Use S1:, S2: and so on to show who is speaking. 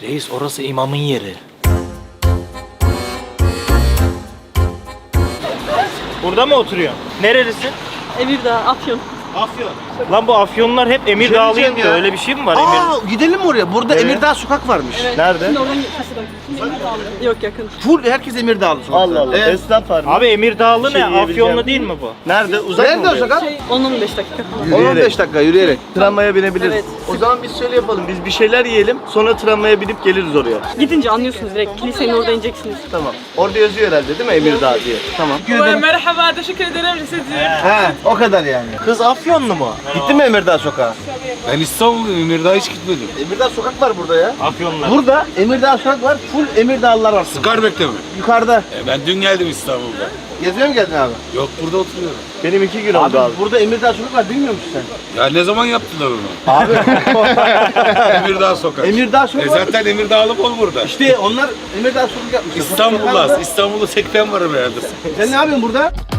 S1: Reis orası imamın yeri. Burada mı oturuyorsun? Nerelisin?
S2: Emirdağ, Afyon.
S1: Afyon. Lan bu Afyonlar hep Emirdağlıyım diyor. Öyle bir şey mi var Emir?
S3: Aa, gidelim mi oraya? Burada Emirdağ sokak varmış.
S2: Evet.
S1: Nerede?
S2: Şimdi oradan gitmesi Yok yakın.
S3: Full herkes Emirdağlı sokakta.
S4: Allah Allah.
S3: Evet.
S4: Esnaf var mı?
S1: Abi Emirdağlı
S4: şey
S1: ne?
S4: yiyebileceğim.
S1: Afyonlu değil mi bu?
S4: Nerede? Uzak
S3: Nerede
S4: mı
S3: o sokak?
S2: 10-15 dakika falan.
S3: 10-15 dakika yürüyerek.
S4: Tramvaya binebiliriz.
S2: Evet.
S4: O zaman biz şöyle yapalım. Biz bir şeyler yiyelim. Sonra tramvaya binip geliriz oraya.
S2: Gidince anlıyorsunuz direkt. Kilisenin orada ineceksiniz.
S4: Tamam. Orada yazıyor herhalde değil mi Emirdağ diye? Tamam.
S2: Merhaba, teşekkür ederim.
S3: He, o kadar yani.
S1: Kız Afyonlu mu?
S3: Gittin mi Emirdağ sokağa?
S5: Ben İstanbul'dayım, Emirdağ'a hiç gitmedim.
S3: Emirdağ sokak var burada ya.
S1: Afyonlar.
S3: Burada Emirdağ sokak var. Full Emirdağlılar var.
S5: Skarbek'te mi?
S3: Yukarıda.
S5: Ben dün geldim İstanbul'da.
S3: Geziyor mu geldin abi?
S5: Yok, burada oturuyorum.
S4: Benim 2 gün oldu
S3: Abi
S4: abi.
S3: burada Emirdağ sokak var bilmiyor musun sen?
S5: Ya ne zaman yaptılar onu?
S3: Abi
S5: Emirdağ Sokak.
S3: Emirdağ sokak var.
S5: Zaten Emirdağlı bol burada.
S3: İşte onlar Emirdağ sokak yapmışlar.
S5: İstanbul'da 80 var herhalde.
S3: Sen ne yapıyorsun burada?